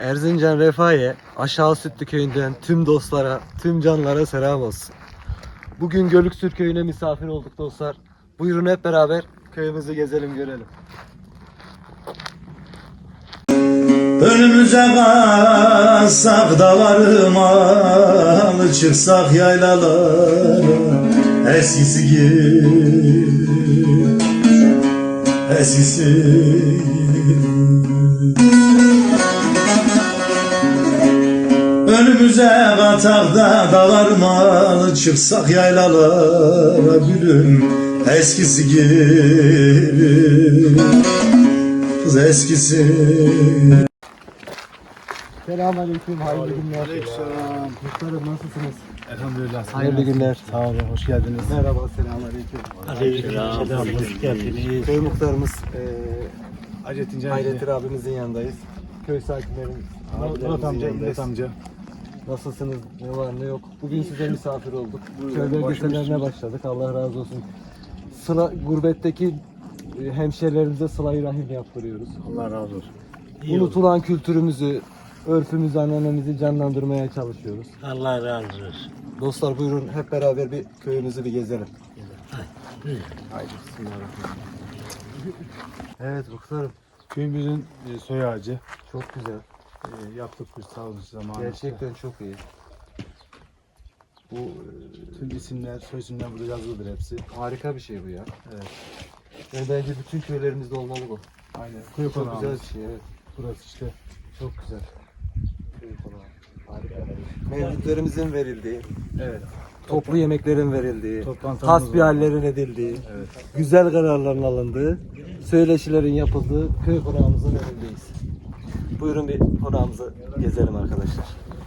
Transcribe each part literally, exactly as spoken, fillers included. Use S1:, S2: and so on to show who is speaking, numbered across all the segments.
S1: Erzincan Refahiye Aşağı Sütlü köyünden tüm dostlara, tüm canlara selam olsun. Bugün Gölüksür köyüne misafir olduk dostlar. Buyurun hep beraber köyümüzü gezelim, görelim.
S2: Önümüze kalsak dağlarıma, çıksak yaylalara, eskisi gibi, eskisi gibi. Önümüze katak da dağlarıma, çıksak yaylalara, gülüm eskisi gibi, kız eskisi.
S1: Selamünaleyküm, hayırlı günler.
S3: Aleykümselam.
S1: Muhtarım nasılsınız?
S3: Elhamdülillah.
S1: Hayırlı günler.
S3: Sağ olun, hoş geldiniz.
S1: Merhaba, selamünaleyküm.
S3: Aleykümselam, hoş geldiniz.
S1: Köy muhtarımız eee
S3: Hayrettin Can.
S1: Hayrettin abimizin yanındayız. Köy sakinlerin,
S3: Murat
S1: abilerimizin
S3: amca,
S1: yanındayız.
S3: İllet amca.
S1: Nasılsınız? Ne var ne yok? Bugün size misafir olduk.
S3: Buyurun,
S1: Köy belgesellerine
S3: başımız-
S1: başladık. Allah razı olsun. Sıla, gurbetteki e, hemşehrilerimize sıla-i rahim yaptırıyoruz.
S3: Allah razı olsun.
S1: Unutulan kültürümüzü, örfümüzü, anneannemizi canlandırmaya çalışıyoruz.
S4: Allah razı olsun.
S1: Dostlar buyurun hep beraber bir köyümüzü bir gezelim. Haydi bismillahirrahmanirrahim. Evet muhtarım,
S3: Köyümüzün e, soy ağacı.
S1: çok güzel.
S3: E, yaptık bir sağ olun zamanında.
S1: Gerçekten çok iyi. Bu e,
S3: Tüm isimler, soy isimler burada yazılıdır hepsi.
S1: harika bir şey bu ya.
S3: Evet.
S1: Yani bence bütün köylerimizde olmalı bu.
S3: Aynen. Köy
S1: Çok
S3: konağı.
S1: güzel bir şey, evet.
S3: Burası işte.
S1: Çok güzel. Harika. Mevlütlerimizin verildiği,
S3: Evet.
S1: toplu yemeklerin verildiği,
S3: Toplantılarımız
S1: hasbihallerin edildiği,
S3: Evet.
S1: güzel kararların alındığı, söyleşilerin yapıldığı köy konağımızın önündeyiz. Buyurun bir konağımızı gezelim arkadaşlar.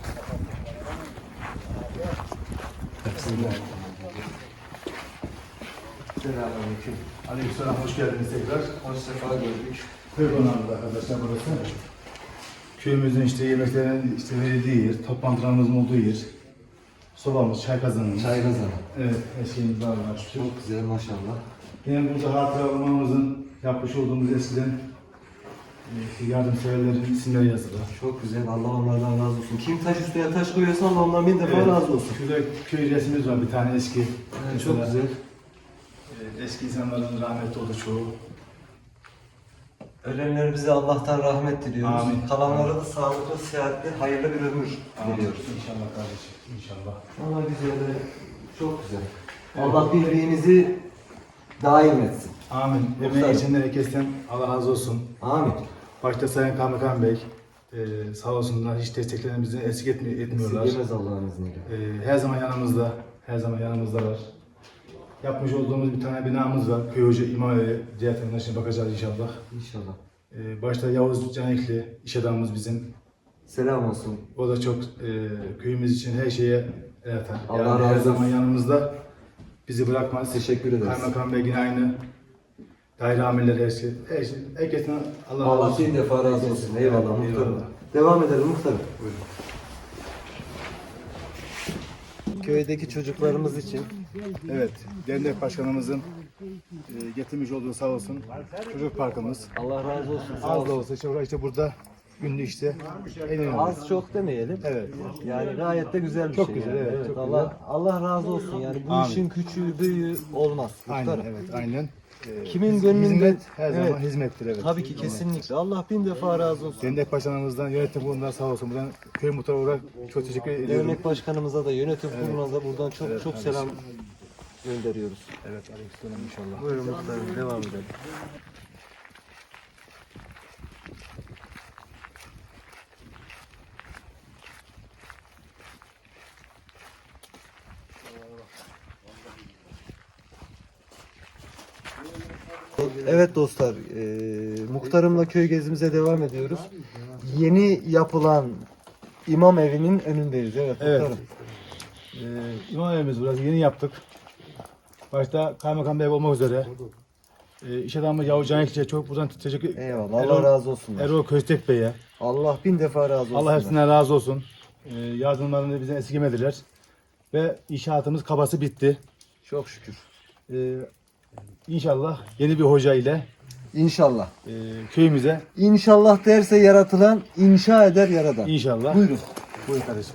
S1: Selamünaleyküm.
S3: Aleykümselam, hoş geldiniz tekrar.
S1: Hoş sefa gördük.
S3: Köy konağımız arkadaşlar burası. Köyümüzün işte yemeklerin işte verildiği yer, toplantılarımızın olduğu yer. Sobamız, çay kazanımız.
S1: Çay kazanı.
S3: Evet, her şeyimiz var. var.
S1: Çok güzel maşallah.
S3: Yine burada hatıra olmamızın yapmış olduğumuz eskiden e, yardımseverlerin isimleri yazılı.
S1: Çok güzel. Allah onlardan razı olsun. Kim taş üstüne taş koyuyorsa Allah ondan bin defa razı olsun.
S3: Şurada köy resmimiz var bir tane eski.
S1: Evet, çok
S3: Mesela,
S1: güzel.
S3: e, eski insanların rahmetli oldu çoğu.
S1: Ölenlerimize Allah'tan rahmet diliyoruz.
S3: Amin.
S1: Kalanlara da sağlıklı, sıhhatli, hayırlı bir ömür diliyoruz.
S3: İnşallah kardeşim, inşallah.
S1: Allah güzel, çok güzel. Allah birliğinizi daim etsin.
S3: Amin.
S1: Muhtarım.
S3: Emeği geçenler herkesten Allah razı olsun.
S1: Amin.
S3: Başta Sayın Kaymakam Bey e, sağ olsunlar, hiç desteklerini eksik etmi etmiyorlar.
S1: Esirgemez Allah'ın izniyle.
S3: E, her zaman yanımızda, her zaman yanımızdalar. Yapmış olduğumuz bir tane binamız var. Köy Hoca İmam Evi. Diğer tarafından şimdi bakacağız inşallah.
S1: İnşallah.
S3: Ee, başta Yavuz Canikli, iş adamımız bizim.
S1: Selam olsun.
S3: O da çok e, köyümüz için her şeye el atar.
S1: Allah
S3: Yani
S1: razı
S3: her
S1: olsun.
S3: zaman yanımızda. Bizi bırakmaz.
S1: Teşekkür ederiz.
S3: Kaymakam Bey yine aynı. Daire amirleri her şey. Her şey. Herkesten Allah razı
S1: Allah
S3: olsun.
S1: bin defa razı olsun. Eyvallah muhtarım.
S3: Eyvallah.
S1: Devam edelim muhtarım.
S3: Buyurun.
S1: Köydeki çocuklarımız için
S3: Evet, dernek başkanımızın e, getirmiş olduğu sağ olsun çocuk parkımız.
S1: Allah razı olsun. Sağ
S3: Az da
S1: olsun.
S3: olsa işte, işte burada günlük işte en önemli.
S1: Az çok demeyelim.
S3: Evet.
S1: Yani gayet de güzel bir
S3: Çok
S1: şey.
S3: güzel,
S1: yani.
S3: evet, çok
S1: Allah Allah razı olsun. Yani bu
S3: Amin.
S1: işin küçüğü büyüğü olmaz.
S3: Aynen,
S1: Muhtarım.
S3: evet, aynen. Ee,
S1: Kimin
S3: hiz-
S1: gönlünde-
S3: hizmet her zaman
S1: Evet.
S3: hizmettir, evet.
S1: Tabii ki kesinlikle. Allah bin defa razı olsun.
S3: Dernek başkanımızdan, yönetim kurulundan sağ olsun. Buradan köy muhtarı olarak çok teşekkür ediyorum.
S1: Dernek başkanımıza da yönetim kuruluna da buradan çok
S3: Evet,
S1: çok
S3: kardeşim.
S1: selam gönderiyoruz.
S3: Evet, aleykümselam inşallah.
S1: Buyurun muhtarım devam edelim. Evet dostlar, e, muhtarımla köy gezimize devam ediyoruz. Yeni yapılan imam evinin önündeyiz. Evet,
S3: Evet.
S1: muhtarım.
S3: Ee, İmam evimiz burası yeni yaptık. Başta Kaymakam Bey olmak üzere. Ee, iş adamı Yavuz Canikli'ye çok buradan teşekkür
S1: Eyvallah. Allah
S3: Erol-
S1: razı olsun.
S3: Erol Köstek Bey'e.
S1: Allah bin defa razı olsun.
S3: Allah hepsinden razı olsun. Ee, yardımlarını bizden esirgemediler. Ve inşaatımız kabası bitti.
S1: Çok şükür.
S3: Ee, İnşallah yeni bir hoca ile
S1: İnşallah.
S3: e, köyümüze
S1: İnşallah derse yaratılan, inşa eder yaradan.
S3: inşallah.
S1: Buyurun.
S3: Buyurun kardeşim.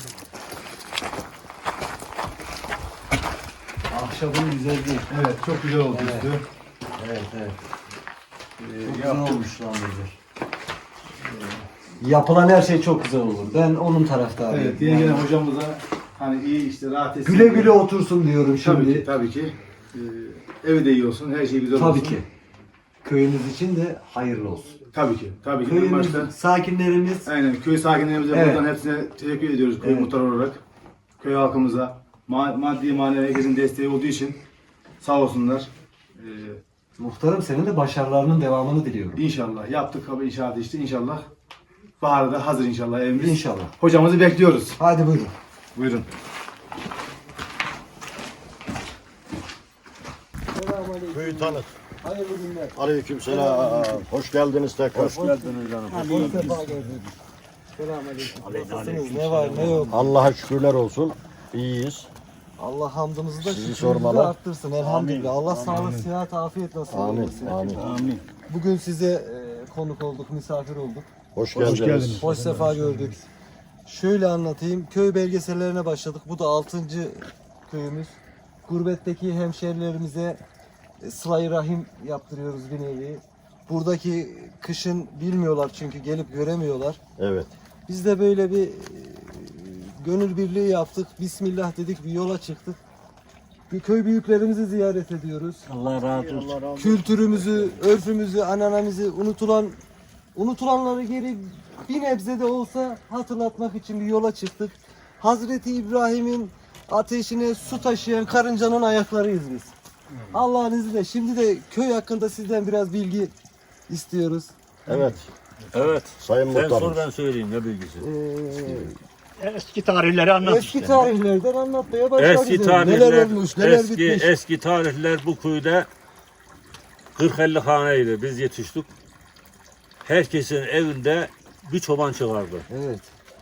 S1: Ahşabın güzelliği.
S3: Evet çok güzel oldu
S1: Evet.
S3: üstü.
S1: Evet, evet.
S3: Ee,
S1: Çok güzel
S3: yaptım.
S1: olmuş lan Müdür. Yapılan her şey çok güzel olur. Ben onun taraftarıyım.
S3: Evet yine gelen hocamıza hani iyi işte rahat etsin.
S1: Güle güle otursun diyorum şimdi.
S3: Tabii ki tabii ki. Ee, evi de iyi olsun, her şey güzel
S1: Tabii
S3: olsun.
S1: ki. Köyümüz için de hayırlı olsun.
S3: Tabii ki. Tabii ki. En
S1: Köyümüz,
S3: başta.
S1: sakinlerimiz
S3: Aynen köy sakinlerimize
S1: Evet.
S3: buradan hepsine teşekkür ediyoruz köy
S1: Evet.
S3: muhtarı olarak. Köy halkımıza ma- maddi manevi herkesin desteği olduğu için sağ olsunlar. Ee,
S1: muhtarım senin de başarılarının devamını diliyorum.
S3: inşallah yaptık abi inşaatı işte inşallah. Baharda hazır inşallah evimiz.
S1: İnşallah.
S3: Hocamızı bekliyoruz.
S1: Hadi buyurun.
S3: Buyurun.
S2: Köyü tanıt.
S1: Hayırlı günler.
S2: Aleykümselam. Hoş geldiniz tekrar.
S1: Hoş geldiniz canım. Hoş defa geldiniz. Selamünaleyküm. Nasılsınız? Ne var ne yok?
S2: Allah'a şükürler olsun. İyiyiz.
S1: Allah hamdımızı da
S2: Sizi
S1: şükrümüzü de
S2: sormalı.
S1: arttırsın elhamdülillah. Allah sağlık, sıhhat, afiyet nasip
S2: Amin.
S1: eylesin.
S2: Amin.
S3: Amin.
S1: Bugün size e, konuk olduk, misafir olduk.
S2: Hoş
S3: Hoş
S2: geldiniz.
S3: geldiniz.
S1: Hoş sefa gördük. Şöyle anlatayım. Köy belgesellerine başladık. Bu da altıncı köyümüz. Gurbetteki hemşerilerimize e, sıla-i rahim yaptırıyoruz bir nevi. Buradaki kışın bilmiyorlar çünkü gelip göremiyorlar.
S2: Evet.
S1: Biz de böyle bir e, gönül birliği yaptık. Bismillah dedik, bir yola çıktık. Bir köy büyüklerimizi ziyaret ediyoruz.
S4: Allah razı olsun.
S1: Kültürümüzü, örfümüzü, ananamızı unutulan unutulanları geri bir nebze de olsa hatırlatmak için bir yola çıktık. Hazreti İbrahim'in ateşine su taşıyan karıncanın ayaklarıyız biz. Allah'ın izniyle şimdi de köy hakkında sizden biraz bilgi istiyoruz.
S2: Evet.
S4: Evet.
S2: Sayın
S4: Sen
S2: Muhtarım.
S4: sor ben söyleyeyim ne bilgisi.
S1: Ee,
S4: Eski tarihleri anlat
S1: eski
S4: işte.
S1: tarihlerden anlatmaya başladık.
S4: Eski tarihler,
S1: Neler olmuş, neler
S4: eski,
S1: bitmiş.
S4: eski tarihler bu köyde kırk elli haneydi. Biz yetiştik. Herkesin evinde bir çoban çıkardı.
S1: Evet.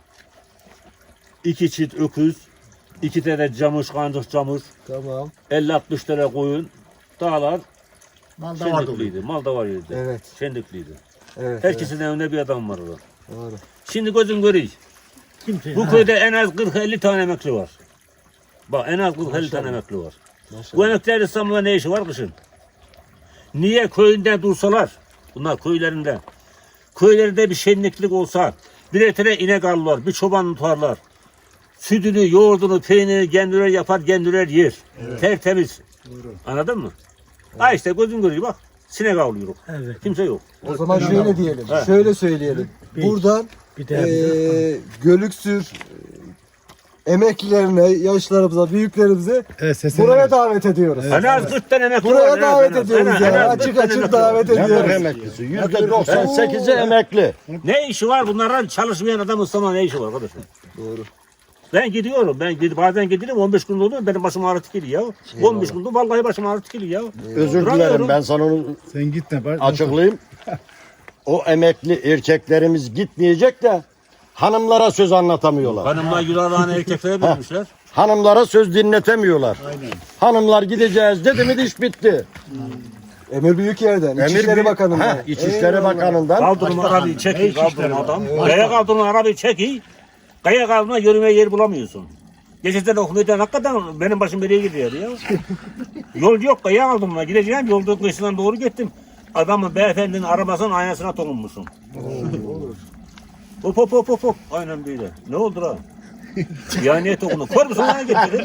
S4: İki çift öküz, iki tane camış, kancık camış,
S1: Tamam.
S4: elli altmış tane koyun, dağlar
S3: Mal da vardı.
S4: şendikliydi. Mal da var yerde.
S1: Evet.
S4: Şendikliydi.
S1: Evet.
S4: Herkesin evinde bir adam vardı.
S1: evet. Doğru.
S4: Şimdi gözün görüyor. Bu köyde en az kırk elli tane emekli var. Bak en az kırk elli tane emekli var. Bu
S1: Maşallah.
S4: emekliler İstanbul'da ne işi var kışın? Niye köyünde dursalar? Bunlar köylerinde. Köylerinde bir şenliklik olsa, bir tane inek alırlar, bir çoban tutarlar. Sütünü, yoğurdunu, peynirini kendileri yapar, kendileri yer. Tertemiz. Anladın mı? Ha işte gözün görüyor bak. Sinek avlıyoruz. Kimse yok.
S1: O zaman şöyle diyelim,
S4: Evet.
S1: şöyle söyleyelim. Buradan eee Gölüksür eee, emeklilerine, yaşlarımıza, büyüklerimize
S3: Evet, sesini
S1: buraya davet ediyoruz.
S4: En az kırk tane emekli
S1: Buraya
S4: var. en az,
S1: davet
S4: en az.
S1: ediyoruz
S4: En az, en
S1: ya.
S4: az kırk
S1: Açık
S4: tane
S1: açık
S4: emekli
S1: davet
S4: var.
S2: Ne
S1: ediyoruz.
S2: kadar emeklisi? Yüzde doksan sekizi emekli.
S4: Ne işi var bunların çalışmayan adam İstanbul'da ne işi var arkadaşlar?
S1: Doğru.
S4: Ben gidiyorum. Ben gid- bazen gidiyorum on beş gün oluyor benim başım ağrı geliyor ya. on beş günde vallahi başım ağrı geliyor ya.
S2: Özür
S4: Duramıyorum.
S2: dilerim, ben sana onu
S3: Sen git ne var?
S2: açıklayayım. O emekli erkeklerimiz gitmeyecek de hanımlara söz anlatamıyorlar.
S4: Hanımlar yurağını erkeklere vermişler.
S2: Hanımlara söz dinletemiyorlar. Hanımlar gideceğiz dedi mi iş bitti.
S1: Emir Büyükyer'den,
S2: Emir
S1: İçişleri
S2: Büyük-
S1: Bakanı'ndan.
S2: Heh, İçişleri
S1: Eyvallah.
S2: Bakanı'ndan.
S4: Kaldırın arabayı çekiyor kaldırın adam. Kaya kaldırın arabayı çekiyor. Kaya kaldırma yürümeye yer bulamıyorsun. Geçen okumuşlar hakikaten benim başım nereye gidiyor ya. Yol yok kaya kaldırma gideceğim yolda kıyısından doğru gittim. Adamın beyefendinin arabasının aynasına dokunmuşum. Hop hop hop hop hop. Aynen böyle. Ne oldu lan? Ya niye dokundun? Kör müsün lan getirdin?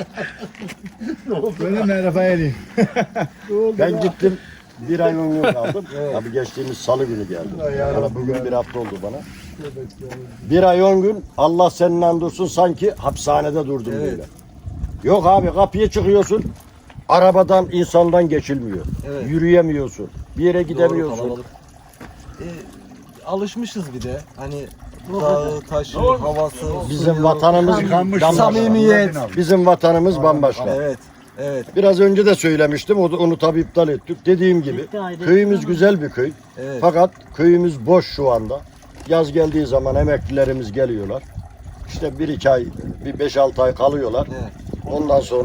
S3: Böyle mi Rafael'i?
S2: Ben gittim. Bir ay on gün kaldım. Tabii geçtiğimiz salı günü geldim. Bana bugün bir hafta oldu bana. Bir ay on gün Allah seninle andursun sanki hapishanede durdum
S1: Evet.
S2: böyle. Yok abi kapıya çıkıyorsun. Arabadan insandan geçilmiyor.
S1: Evet.
S2: Yürüyemiyorsun. Bir yere
S1: Doğru,
S2: gidemiyorsun.
S1: kalabalık. Ee, alışmışız bir de. Hani dağı, taşı, havası,
S2: Bizim
S1: suyu.
S2: vatanımız bambaşka.
S1: Samimiyet.
S2: Bizim vatanımız bambaşka.
S1: Evet. Evet.
S2: Biraz önce de söylemiştim. Onu, onu tabii iptal ettik. Dediğim gibi köyümüz güzel bir köy.
S1: Evet.
S2: Fakat köyümüz boş şu anda. Yaz geldiği zaman emeklilerimiz geliyorlar. İşte bir iki ay, bir beş altı ay kalıyorlar.
S1: Evet.
S2: Ondan sonra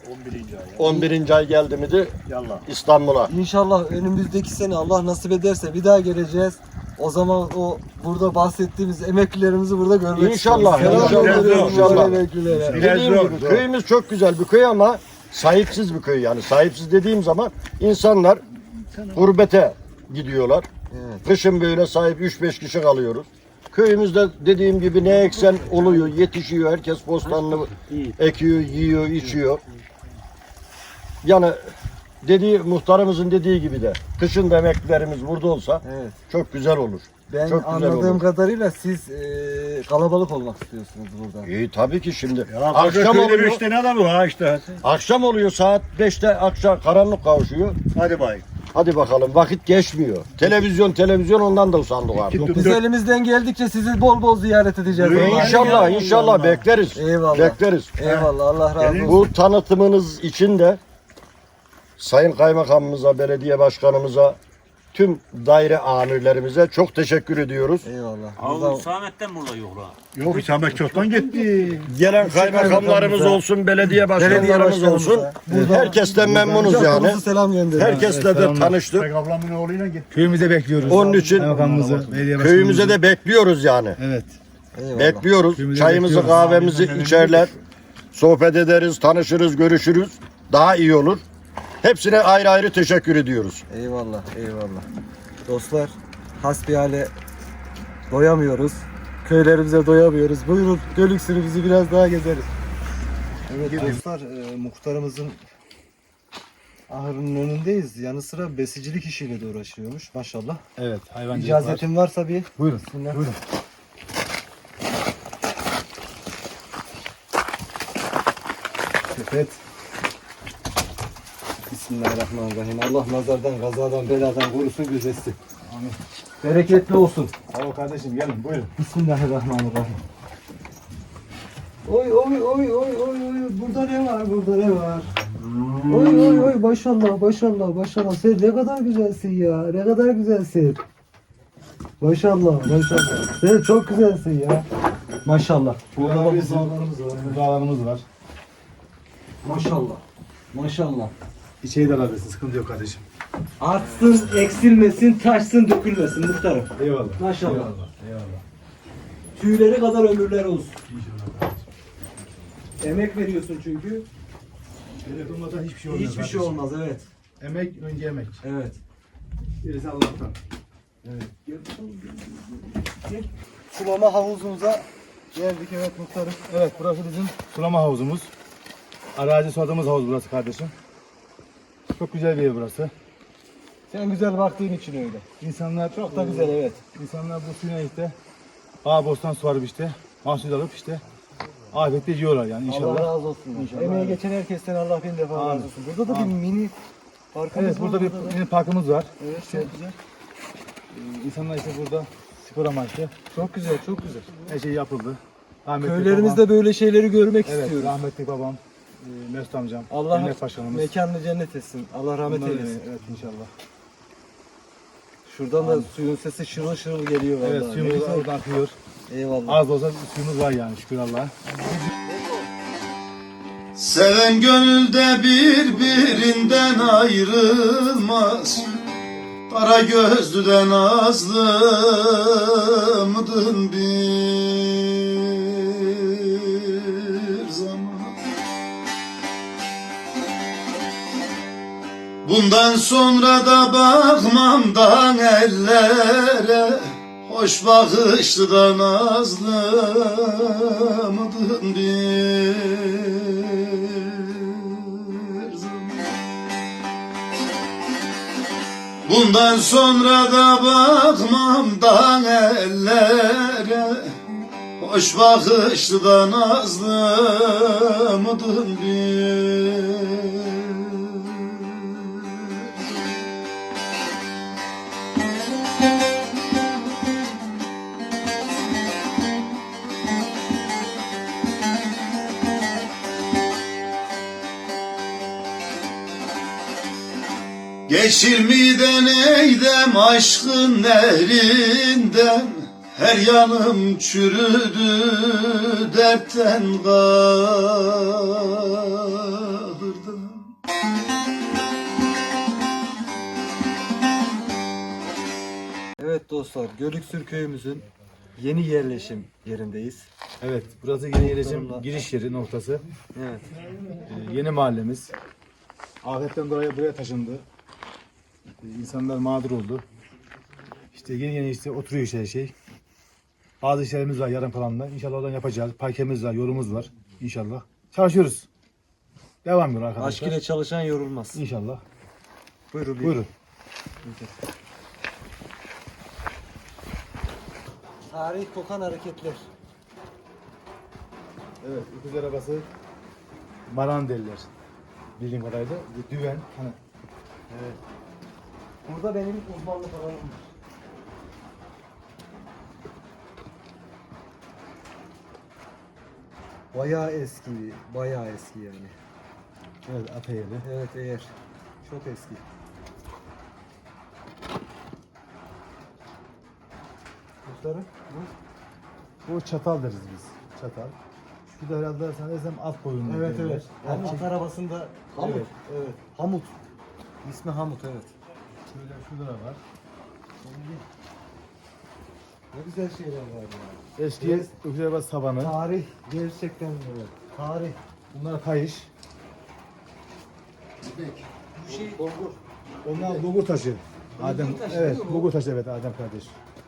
S5: on birinci ay.
S2: on birinci ay geldi miydi
S5: Yallah.
S2: İstanbul'a.
S1: İnşallah önümüzdeki sene Allah nasip ederse bir daha geleceğiz. O zaman o burada bahsettiğimiz emeklilerimizi burada görmek
S2: İnşallah,
S1: istiyoruz. Selam
S2: inşallah,
S1: gönderiyorum
S2: inşallah.
S1: bu emeklilere.
S5: Biraz
S2: Dediğim
S5: zor,
S2: gibi
S5: zor.
S2: köyümüz çok güzel bir köy ama sahipsiz bir köy yani. Sahipsiz dediğim zaman insanlar gurbete gidiyorlar.
S1: Evet.
S2: Kışın böyle sahip üç beş kişi kalıyoruz. Köyümüzde dediğim gibi ne eksen oluyor, yetişiyor. Herkes bostanını ekiyor, yiyor, içiyor. Yani dediği muhtarımızın dediği gibi de kışın da emeklilerimiz burada olsa
S1: Evet.
S2: çok güzel olur.
S1: Ben
S2: Çok güzel
S1: anladığım
S2: olur.
S1: kadarıyla siz e, kalabalık olmak istiyorsunuz burada.
S2: İyi tabii ki şimdi.
S5: Ya
S2: akşam
S5: akşam
S2: oluyor.
S5: beş tane adam var ha işte.
S2: Akşam oluyor saat beşte akşam karanlık kavuşuyor.
S5: Hadi bay.
S2: Hadi bakalım vakit geçmiyor. Televizyon televizyon ondan da usandık artık.
S5: Yok,
S1: Biz elimizden geldikçe sizi bol bol ziyaret edeceğiz.
S5: Buyurun.
S1: Allah'ın
S2: İnşallah
S1: izniyle.
S2: inşallah bekleriz.
S1: Eyvallah.
S2: Bekleriz.
S1: Eyvallah Allah razı olsun.
S2: Bu tanıtımınız için de Sayın Kaymakamımıza, belediye başkanımıza, tüm daire amirlerimize çok teşekkür ediyoruz.
S1: Eyvallah.
S4: Abi
S1: Buradan-
S4: Hüsamettin burada yok la.
S5: Yok İsmail çoktan gitti.
S2: Gelen kaymakamlarımız
S1: kaymakamımıza,
S2: olsun, belediye
S1: belediye
S2: başkanlarımız olsun.
S1: başkanımıza, buradan
S2: Herkesten memnunuz
S1: çok
S2: yani.
S1: hızlı selam gönderiyorum.
S2: Herkesle de
S3: selamlar.
S2: tanıştık.
S5: Tek ablamın oğluyla gitti.
S3: Köyümüze bekliyoruz.
S2: Onun için
S3: Kaymakamımızı, belediye başkanımızı.
S2: köyümüze de bekliyoruz yani.
S3: Evet.
S1: Eyvallah.
S2: Bekliyoruz.
S3: Köyümüze
S2: Çayımızı,
S3: bekliyoruz.
S2: kahvemizi içerler. Sohbet ederiz, tanışırız, görüşürüz. Daha iyi olur. Hepsine ayrı ayrı teşekkür ediyoruz.
S1: Eyvallah, eyvallah. Dostlar, hasbihale doyamıyoruz. Köylerimize doyamıyoruz. Buyurun, Gölüksür'ü bizi biraz daha gezeriz. Evet dostlar, e, muhtarımızın ahırının önündeyiz. Yanı sıra besicilik işiyle de uğraşıyormuş maşallah.
S3: Evet. Hayvancılık var.
S1: İcazetin varsa bir
S3: Buyurun.
S1: Bismillah.
S3: Buyurun.
S1: sepet. Bismillahirrahmanirrahim. Allah nazardan, kazadan, beladan korusun, gözetsin.
S3: Amin.
S1: Bereketli olsun.
S3: Alo kardeşim gelin buyurun.
S1: Bismillahirrahmanirrahim. Oy oy oy oy oy oy. Burada ne var? Burada ne var? Oy oy oy maşallah maşallah maşallah. Sen ne kadar güzelsin ya. Ne kadar güzelsin. Maşallah maşallah. Sen çok güzelsin ya. Maşallah. Burada da buzağlarımız var.
S3: Burada alanımız var.
S1: Maşallah. Maşallah.
S3: İçeri de alabilirsin. Sıkıntı yok kardeşim.
S1: Artsın, eksilmesin, taşsın, dökülmesin muhtarım.
S3: Eyvallah.
S1: Maşallah.
S3: Eyvallah. Eyvallah.
S1: Tüyleri kadar ömürler olsun.
S3: İnşallah kardeşim.
S1: Emek veriyorsun çünkü.
S3: Devlet olmadan hiçbir şey olmaz.
S1: Hiçbir şey
S3: kardeşim.
S1: olmaz evet.
S3: Emek önce emek.
S1: Evet.
S3: Gerisi Allah'tan.
S1: Evet. Sulama havuzumuza geldik evet muhtarım.
S3: Evet burası bizim sulama havuzumuz. Arazi suladığımız havuz burası kardeşim. Çok güzel bir yer burası.
S1: Sen güzel baktığın için öyle.
S3: İnsanlar
S1: Çok da güzel evet.
S3: İnsanlar bu suyuna işte ağ bostan suvarıp işte mahsul alıp işte afiyetle yiyorlar yani inşallah.
S1: Allah razı olsun.
S3: İnşallah.
S1: Emeğe geçen herkesten Allah bin defa
S3: Amin.
S1: razı olsun. Burada da bir mini parkımız
S3: Evet burada
S1: var.
S3: bir mini parkımız var.
S1: Evet çok güzel.
S3: Ee, İnsanlar işte burada spor amaçlı
S1: Çok güzel çok güzel.
S3: her şey yapıldı. Rahmetli
S1: Köylerimizde
S3: babam,
S1: böyle şeyleri görmek
S3: evet,
S1: istiyoruz.
S3: rahmetli babam, e, Mesut amcam,
S1: Allah
S3: Emniyet Başkanımız.
S1: mekanını cennet etsin. Allah rahmet
S3: Bunlar,
S1: eylesin.
S3: Evet inşallah.
S1: Şuradan da suyun sesi şırıl şırıl geliyor vallahi.
S3: Evet
S1: Ne
S3: suyumuz
S1: güzel.
S3: oradan akıyor.
S1: Eyvallah.
S3: Az da olsa suyumuz var yani şükür Allah'a.
S6: Seven gönülde birbirinden ayrılmaz. Kara gözlüden nazlı mıdın bir zaman. Bundan sonra da bakmamdan ellere, hoş bakışlı da nazlı mıdın bir zaman. Bundan sonra da bakmamdan ellere, hoş bakışlı da nazlı mıdın bir. Geçilmeden eydem aşkın nehrinden, Her yanım çürüdü dertten kahırdım.
S1: Evet dostlar, Gölüksür köyümüzün yeni yerleşim yerindeyiz.
S3: Evet, burası yeni yerleşim
S1: Muhtarımla-
S3: giriş yeri noktası.
S1: Evet.
S3: Ee, yeni mahallemiz. Afetten dolayı buraya taşındı. Ee, İnsanlar mağdur oldu. İşte yeni yeni işte oturuyor işte her şey. Bazı işlerimiz var yarım kalanlar. İnşallah oradan yapacağız. Parkemiz var, yolumuz var. İnşallah. Çalışıyoruz. Devam ediyor
S1: Aşk
S3: arkadaşlar.
S1: ile çalışan yorulmaz.
S3: İnşallah.
S1: Buyurun.
S3: Buyurun.
S1: Tarih kokan hareketler.
S3: Evet, öküz arabası maran derler. Bildiğim kadarıyla. Bu düven. Hani
S1: Evet. Burada benim uzmanlık alanım var. Bayağı eski, bayağı eski yani.
S3: evet, ata yeri.
S1: Evet eğer. Çok eski. Muhtarım, bu?
S3: Bu çatal deriz biz. Çatal. Şu da herhalde sanırsam at boyunlu.
S1: Evet
S3: derler.
S1: evet. Yani
S3: Erkek-
S1: at arabasında Hamut.
S3: Evet.
S1: Evet. Hamut. İsmi Hamut evet.
S3: Şöyle şurada da var.
S1: Ne güzel şeyler var ya.
S3: Eski
S1: Evet.
S3: öküz arabası tabanı.
S1: Tarih gerçekten böyle. Tarih.
S3: Bunlar kayış.
S1: Bu şey bulgur.
S3: Onlar bulgur taşı. Adem,
S1: taşı
S3: evet,
S1: değil mi bu?
S3: bulgur taşı evet Adem kardeş.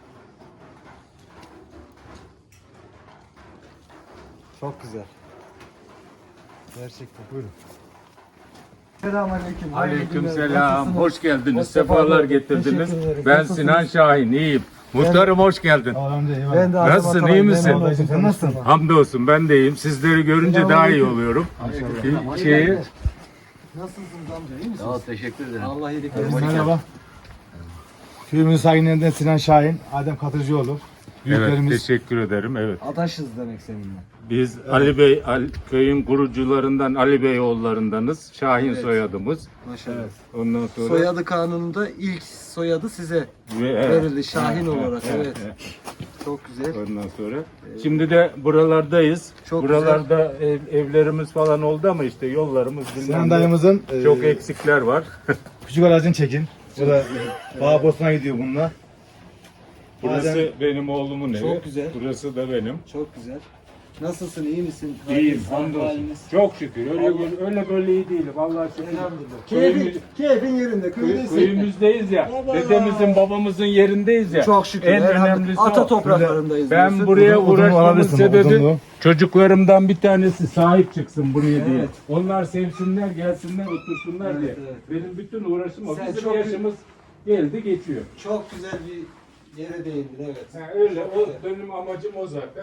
S1: Çok güzel. Gerçekten.
S3: Buyurun.
S1: Selamünaleyküm.
S7: Aleykümselam. Hoş geldiniz.
S1: Hoş
S7: Sefalar
S1: sefalar.
S7: getirdiniz.
S1: Teşekkür ederim.
S7: Ben
S1: Nasılsınız?
S7: Sinan Şahin. İyiyim. Muhtarım hoş geldin.
S3: Allah'ım eyvallah.
S1: Ben de
S7: Nasılsın,
S1: Azam
S7: iyi
S1: Ataman,
S7: misin?
S1: memnun oldum.
S3: Sen nasılsın?
S7: Hamdolsun ben de iyiyim. Sizleri görünce daha iyi oluyorum. Bir Şeyi,
S1: Nasılsınız amca? İyi misiniz?
S8: Sağ ol, teşekkür ederim.
S1: Allah iyilik versin.
S3: Merhaba. Köyümüzün sakinlerinden Sinan Şahin, Adem Katırcıoğlu.
S7: evet,
S3: Büyüklerimiz.
S7: teşekkür ederim. Evet.
S1: Adaşız demek seninle.
S7: Biz Ali Bey, Ali- köyün kurucularından Ali Bey oğullarındanız. Şahin soyadımız.
S1: Maşallah.
S7: Ondan sonra
S1: Soyadı kanununda ilk soyadı size
S7: Ve- evet.
S1: verildi Şahin olarak.
S7: Evet,
S1: Evet.
S7: evet.
S1: Çok güzel.
S7: Ondan sonra. Şimdi de buralardayız.
S1: Çok
S7: Buralarda ev- evlerimiz falan oldu ama işte yollarımız bilmem
S3: Sinan
S7: ne.
S3: dayımızın
S7: Çok
S3: e,
S7: eksikler var.
S3: küçük aracını çekin. O da Bağ Bosna gidiyor bununla.
S7: Burası
S3: Adem-
S7: benim oğlumun evi.
S1: Çok güzel.
S7: Burası da benim.
S1: Çok güzel. Nasılsın? İyi misin?
S7: İyiyim,
S1: Haliniz,
S7: hamdolsun.
S1: haliniz?
S7: Çok şükür. Öyle öyle böyle iyi değilim. Vallahi şükür.
S1: Elhamdülillah.
S7: Köyümüz-
S1: Keyfin, keyfin yerinde.
S7: Köy-
S1: Köydesin.
S7: Köyümüzdeyiz ya.
S1: Allah!
S7: Dedemizin, babamızın yerindeyiz ya.
S1: Çok şükür.
S7: En
S1: elhamdülillah.
S7: önemlisi
S1: Ata
S7: o.
S1: topraklarındayız.
S7: Ben
S1: diyorsun.
S7: buraya
S3: Odun- odunu
S7: uğraşmamın
S3: alabilirsin,
S7: sebebi
S3: odunluğu.
S7: çocuklarımdan bir tanesi sahip çıksın buraya diye.
S1: Evet.
S7: Onlar sevsinler, gelsinler, otursunlar
S1: Evet,
S7: diye.
S1: evet.
S7: Benim bütün uğraşım o.
S1: Sen
S7: Bizim
S1: çok-
S7: yaşımız geldi geçiyor.
S1: Çok güzel bir yere değindin evet.
S7: Ha, öyle.
S1: Çok
S7: O,
S1: güzel.
S7: benim amacım o zaten.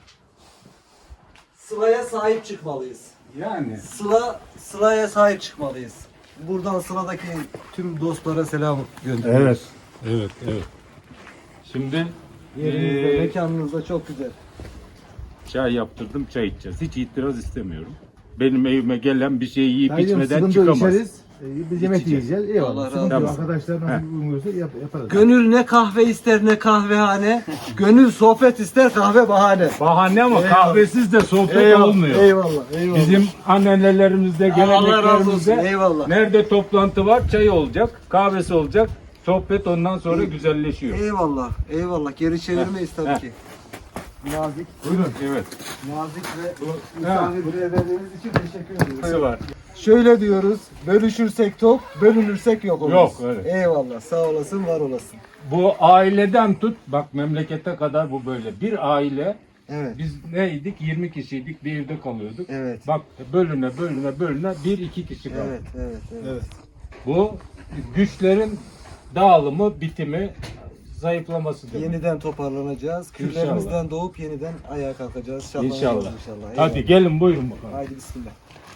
S1: Sıla'ya sahip çıkmalıyız.
S7: Yani.
S1: Sıla, Sıla'ya sahip çıkmalıyız. Buradan Sıla'daki tüm dostlara selam gönderiyoruz.
S3: Evet.
S7: Evet, evet. Şimdi
S1: Yerinizde,
S7: eee,
S1: mekanınızda çok güzel.
S7: çay yaptırdım, çay içeceğiz. Hiç itiraz istemiyorum. Benim evime gelen bir şey yiyip
S3: Dayıcım,
S7: içmeden
S3: sıkıntı
S7: çıkamaz.
S3: içeriz. E, Biz yemek
S7: İçeceğiz.
S3: yiyeceğiz. Eyvallah.
S1: Allah razı
S3: Sıkıntı yok.
S7: olsun.
S3: Arkadaşlar nasıl
S7: Heh.
S3: uyumuyorsa yap, yaparız.
S1: Gönül ne kahve ister ne kahvehane. Gönül sohbet ister kahve bahane.
S7: Bahane ama
S1: Eyvallah.
S7: kahvesiz de sohbet
S1: Eyvallah,
S7: olmuyor.
S1: Eyvallah. Eyvallah.
S7: Bizim annelerimizde,
S1: Allah razı olsun.
S7: geleneklerimizde
S1: Eyvallah.
S7: nerede toplantı var çay olacak, kahvesi olacak. Sohbet ondan sonra güzelleşiyor.
S1: Eyvallah. Eyvallah. Geri çevirmeyiz tabii
S7: heh.
S1: ki. Nazik,
S7: Buyurun. Evet.
S1: nazik ve misafirperverliğiniz için teşekkür ediyoruz.
S7: Nasıl var?
S1: Şöyle diyoruz, bölüşürsek tok, bölünürsek yok oluruz.
S7: Yok, evet.
S1: Eyvallah, sağ olasın, var olasın.
S7: Bu aileden tut, bak memlekete kadar bu böyle. Bir aile,
S1: Evet,
S7: biz neydik? yirmi kişiydik, bir evde kalıyorduk.
S1: evet,
S7: Bak bölüne bölüne bölüne bir iki kişi kaldı.
S1: evet, evet, evet.
S3: Evet.
S7: Bu güçlerin dağılımı, bitimi, zayıflaması demek.
S1: Yeniden toparlanacağız. Küllerimizden doğup yeniden ayağa kalkacağız. İnşallah.
S7: İnşallah.
S1: inşallah.
S7: Hadi
S1: Eyvallah.
S7: gelin buyurun bakalım.
S1: Haydi bismillah.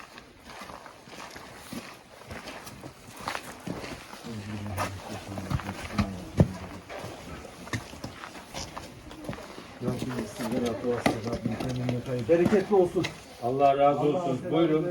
S1: Bereketli olsun.
S7: Allah razı olsun. Buyurun.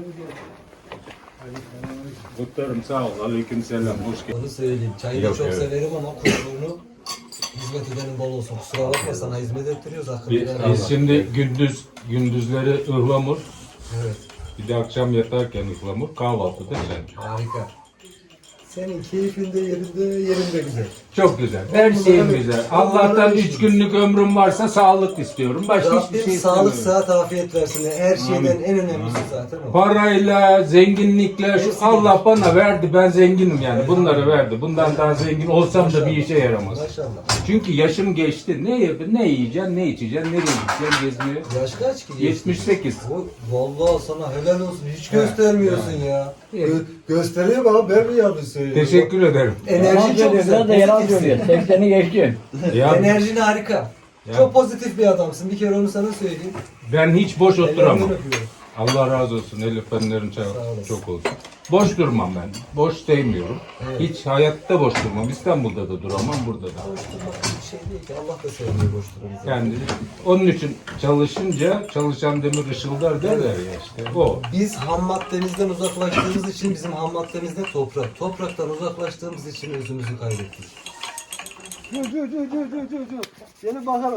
S7: Muhtarım sağ ol. Aleyküm selam. Hoş geldin.
S1: Onu söyleyeyim. Çayı
S7: Yok,
S1: da çok
S7: evet.
S1: severim ama kuyruğunu hizmet hizmet edenin bol olsun. Kusura bakma sana hizmet ettiriyoruz hakkını.
S7: Biz,
S1: helal
S7: biz
S1: et.
S7: şimdi gündüz gündüzleri ıhlamur,
S1: Evet.
S7: bir de akşam yatarken ıhlamur, kahvaltıda sen.
S1: Harika. Senin keyfinde yerinde yerinde güzel.
S7: Çok güzel. Her şeyim güzel. Allah'tan üç günlük ömrüm varsa sağlık istiyorum. Başka hiçbir
S1: Rabbim
S7: şey
S1: sağlık,
S7: istemiyorum.
S1: sıhhat, afiyet versin. Her şeyden en önemlisi zaten o.
S7: Parayla, zenginlikle, şu
S1: Hepsi
S7: Allah bana verdi, ben zenginim yani. Bunları verdi. Bundan daha zengin olsam da bir işe yaramaz.
S1: Maşallah.
S7: Çünkü yaşım geçti. Ne yap ne yiyeceksin, ne içeceksin, nereye gideceksin, gezmeye?
S1: Yaş kaç ki?
S7: yetmiş sekiz.
S1: O, vallahi sana helal olsun. Hiç göstermiyorsun ya. Gö gösteriyor ama ben mi yanlış söylüyorum?
S7: Teşekkür ederim.
S1: Enerji çok güzel. Pozitifsin.
S8: sekseni geçkin.
S7: Ya
S1: Enerjin harika.
S7: Ya.
S1: Çok pozitif bir adamsın. Bir kere onu sana söyleyeyim.
S7: ben hiç boş
S1: Ellerinden
S7: oturamam.
S1: öpüyorum.
S7: Allah razı olsun. Elif fenlerin çok,
S1: olasın.
S7: çok olsun. Boş durmam ben. Boş sevmiyorum.
S1: Evet.
S7: Hiç hayatta boş durmam. İstanbul'da da duramam, burada da.
S1: Boş durmak bir şey değil ki. Allah da sevmiyor boş durumu. zaten.
S7: Yani onun için çalışınca çalışan demir ışıldar derler ya işte. O.
S1: Biz ham maddemizden uzaklaştığımız için bizim ham maddemiz ne? Toprak. Topraktan uzaklaştığımız için özümüzü kaybettik. Dur dur dur dur dur dur dur. Gelin bakalım.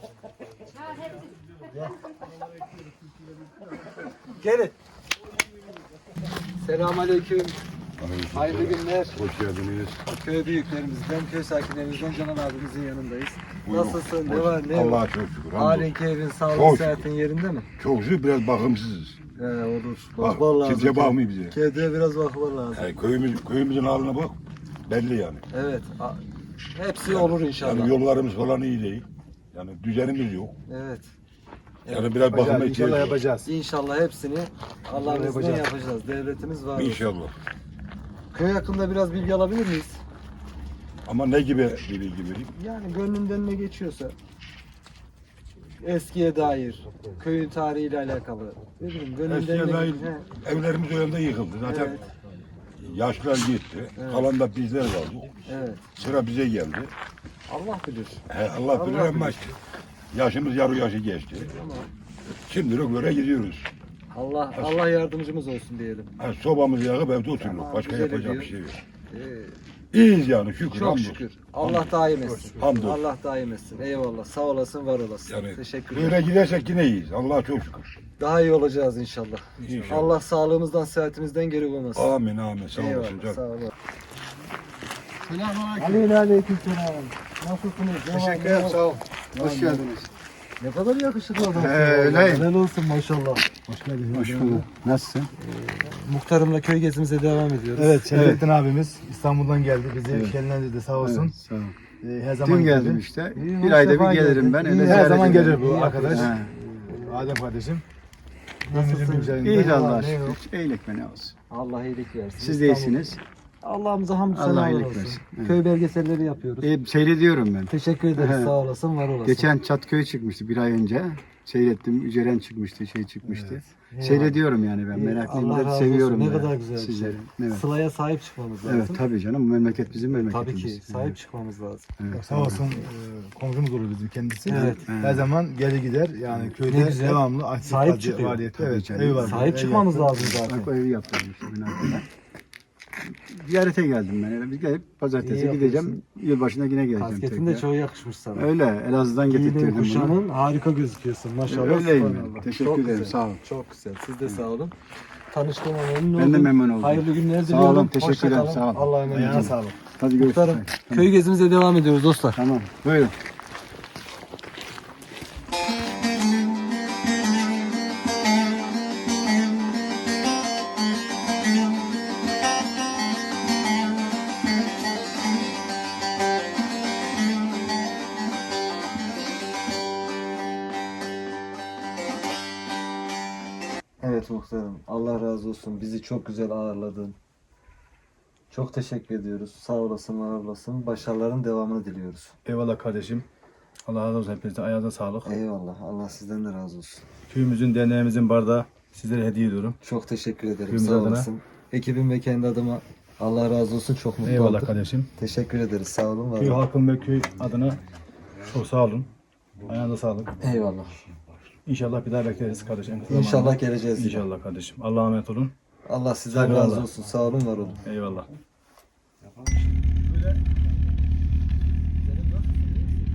S1: Gelin. Selamünaleyküm. Hayırlı günler.
S5: Hoş geldiniz.
S1: Köy büyüklerimizden, köy sakinlerimizden Canan abimizin yanındayız.
S5: Buyurun.
S1: Nasılsın? Ne
S5: Hoş-
S1: var? Ne yok?
S5: Allah'a çok şükür.
S1: Halen keyfin, sağlık,
S5: Çok
S1: sıhhatin yerinde mi?
S5: Çok şükür biraz bakımsızız.
S1: He olur.
S5: Bak,
S1: Bakman lazım.
S5: kimse bakmıyor bize.
S1: Kediye biraz bakman lazım.
S5: Yani köyümüz, köyümüzün haline bak. Belli yani.
S1: Evet. a- Hepsi olur inşallah.
S5: Yani yollarımız falan iyi değil. Yani düzenimiz yok.
S1: Evet.
S5: Yani biraz bakıma
S3: İnşallah
S5: ihtiyaç var.
S3: yapacağız.
S1: İnşallah hepsini Allah'ın izniyle
S3: yapacağız.
S1: yapacağız. Devletimiz var. olsun.
S5: İnşallah.
S1: Köy hakkında biraz bilgi alabilir miyiz?
S5: Ama ne gibi bir bilgi vereyim?
S1: Yani gönlünden ne geçiyorsa. Eskiye dair, köyün tarihiyle alakalı. Ne bileyim, gönlünden
S5: Eskiye
S1: ne
S5: dair
S1: He,
S5: evlerimiz o yönde yıkıldı. Zaten
S1: Evet.
S5: yaşlar gitti. Kalan da bizler kaldı.
S1: Evet.
S5: Sıra bize geldi.
S1: Allah bilir.
S5: He, Allah bilir
S1: Allah
S5: ama yaşımız yarı yaşı geçti. Şimdilik göre gidiyoruz.
S1: Allah Allah yardımcımız olsun diyelim.
S5: Ha, sobamızı yakıp evde oturuyoruz.
S1: Tamam,
S5: Başka
S1: güzel
S5: yapacak
S1: ediyor.
S5: bir şey yok.
S1: Ee,
S5: İyiyiz yani şükür.
S1: çok
S5: hamdolsun.
S1: şükür. Allah daim etsin.
S5: Hamdolsun.
S1: Allah daim etsin. Eyvallah. Sağ olasın, var olasın.
S5: Yani
S1: Teşekkür ederim.
S5: böyle gidersek yine iyiyiz. Allah'a çok şükür.
S1: Daha iyi olacağız inşallah.
S5: İnşallah.
S1: Allah sağlığımızdan, sıhhatimizden geri koymasın.
S5: Amin amin. Sağ olasın
S1: Eyvallah.
S5: canım.
S1: Sağ olun. Selamünaleyküm. Aleyküm selam. Nasılsınız?
S9: Teşekkür ederim, sağ ol. Hoş geldiniz.
S1: Ne kadar yakışıklı adam.
S9: Ee, öyleyim.
S1: Helal olsun maşallah.
S3: Hoş geldiniz.
S9: Hoş bulduk. Nasılsın?
S1: Muhtarımla köy gezimize devam ediyoruz.
S3: Evet, Şerefettin abimiz İstanbul'dan geldi. Bizi
S9: Evet.
S3: şenlendirdi sağ olsun.
S9: Evet, sağ ol.
S3: Ee, her zaman
S9: Dün geldim
S3: geldi.
S9: işte.
S1: İyi,
S9: Bir ayda
S1: Mustafa
S9: bir gelirim
S1: geldi.
S9: ben.
S1: İyi,
S9: Öyle
S3: Her
S9: ziyaret
S3: zaman
S9: ederim.
S3: gelir bu arkadaş.
S9: He.
S3: Adem kardeşim.
S1: Nasılsın?
S3: Ömrümüzün üzerinde.
S9: İyiyiz
S1: Ne var,
S9: Allah'a
S1: ne
S9: şükür.
S1: yok?
S9: İyilik mi ne olsun.
S1: Allah iyilik versin.
S9: Siz de iyisiniz.
S1: Allah'ımıza hamdü
S9: Allah
S1: senalar
S9: iyilik
S1: olsun.
S9: versin. Evet.
S1: Köy belgeselleri yapıyoruz.
S9: İyi, seyrediyorum ben.
S1: Teşekkür ederiz.
S9: He.
S1: Sağ olasın, var olasın.
S9: Geçen Çatköy çıkmıştı bir ay önce. Seyrettim. Üceren çıkmıştı, şey çıkmıştı. Seyrediyorum yani ben.
S1: İyi,
S9: Meraklıyım
S1: Allah
S9: da
S1: razı
S9: seviyorum.
S1: olsun. Ne
S9: da
S1: kadar güzel bir şey.
S9: sizleri. Evet.
S1: Sıla'ya sahip çıkmamız lazım.
S9: Evet tabii canım. Bu memleket bizim
S1: Tabii
S9: memleketimiz.
S1: ki sahip
S9: Evet.
S1: çıkmamız lazım.
S9: Evet.
S3: Sağ olsun e, komşumuz olur bizim kendisi.
S1: Evet.
S3: Her zaman gelir gider. Yani
S1: Ne
S3: köyde
S1: güzel.
S3: devamlı aktif
S1: Sahip
S3: faaliyeti-
S1: çıkıyor.
S3: faaliyeti.
S9: Tabii
S3: Evet,
S9: canım.
S3: evi var.
S1: Sahip
S3: Ev
S1: çıkmamız
S3: yaptı.
S1: lazım zaten.
S9: Bak o evi yaptırdım işte binada. Ziyarete geldim ben. Eve bir gelip pazartesi
S1: İyi
S9: gideceğim. Yılbaşına yine geleceğim
S1: Kasketin de
S9: tekrar.
S1: çok yakışmış sana.
S9: Öyle Elazığ'dan
S1: Giyinin
S9: getirttirdim bunu.
S1: kuşanın harika gözüküyorsun maşallah.
S9: Öyleyim ben.
S1: subhanallah.
S9: Teşekkür
S1: Çok
S9: ederim,
S1: güzel,
S9: sağ olun.
S1: Çok güzel. Siz de sağ olun. Tanıştığıma memnun oldum.
S9: Ben de memnun oldum.
S1: Hayırlı günler
S9: Sağ
S1: diliyorum.
S9: olun, teşekkür
S1: Hoşça
S9: ederim,
S1: kalın.
S9: sağ olun.
S1: Allah'a emanet
S3: Ayağına
S1: olun.
S3: sağlık.
S9: Hadi görüşürüz.
S1: Muhtarım, köy gezimize devam ediyoruz dostlar.
S9: Tamam. Buyurun.
S1: Evet muhtarım. Allah razı olsun. Bizi çok güzel ağırladın. Çok teşekkür ediyoruz. Sağ olasın, var olasın. Başarıların devamını diliyoruz.
S3: Eyvallah kardeşim. Allah razı olsun hepinize. Ayağınıza sağlık.
S1: Eyvallah. Allah sizden de razı olsun.
S3: Köyümüzün, derneğimizin bardağı sizlere hediye ediyorum.
S1: Çok teşekkür ederim.
S3: Köyümüz
S1: Sağ
S3: adına.
S1: olasın. Ekibim ve kendi adıma Allah razı olsun. Çok mutlu
S3: Eyvallah
S1: olduk.
S3: kardeşim.
S1: Teşekkür ederiz. Sağ olun. Var
S3: Köy
S1: olun.
S3: halkım ve köy adına çok sağ olun. Ayağınıza sağlık.
S1: Eyvallah.
S3: İnşallah bir daha bekleriz kardeşim.
S1: İnşallah geleceğiz. yine.
S3: İnşallah kardeşim. Allah'a emanet olun.
S1: Allah sizden
S3: Eyvallah.
S1: razı olsun. Sağ olun, var olun.
S3: Eyvallah.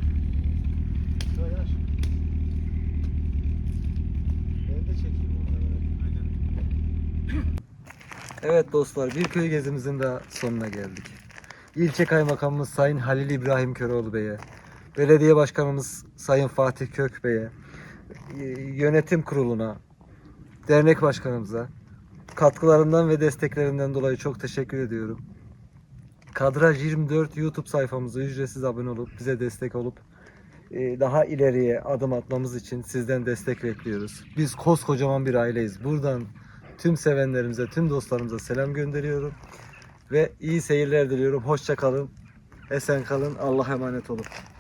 S1: Evet dostlar, bir köy gezimizin de sonuna geldik. İlçe Kaymakamımız Sayın Halil İbrahim Köroğlu Bey'e, Belediye Başkanımız Sayın Fatih Kök Bey'e, yönetim kuruluna, dernek başkanımıza katkılarından ve desteklerinden dolayı çok teşekkür ediyorum. Kadraj yirmi dört YouTube sayfamıza ücretsiz abone olup bize destek olup daha ileriye adım atmamız için sizden destek bekliyoruz. Biz koskocaman bir aileyiz. Buradan tüm sevenlerimize, tüm dostlarımıza selam gönderiyorum. Ve iyi seyirler diliyorum. Hoşça kalın. Esen kalın. Allah'a emanet olun.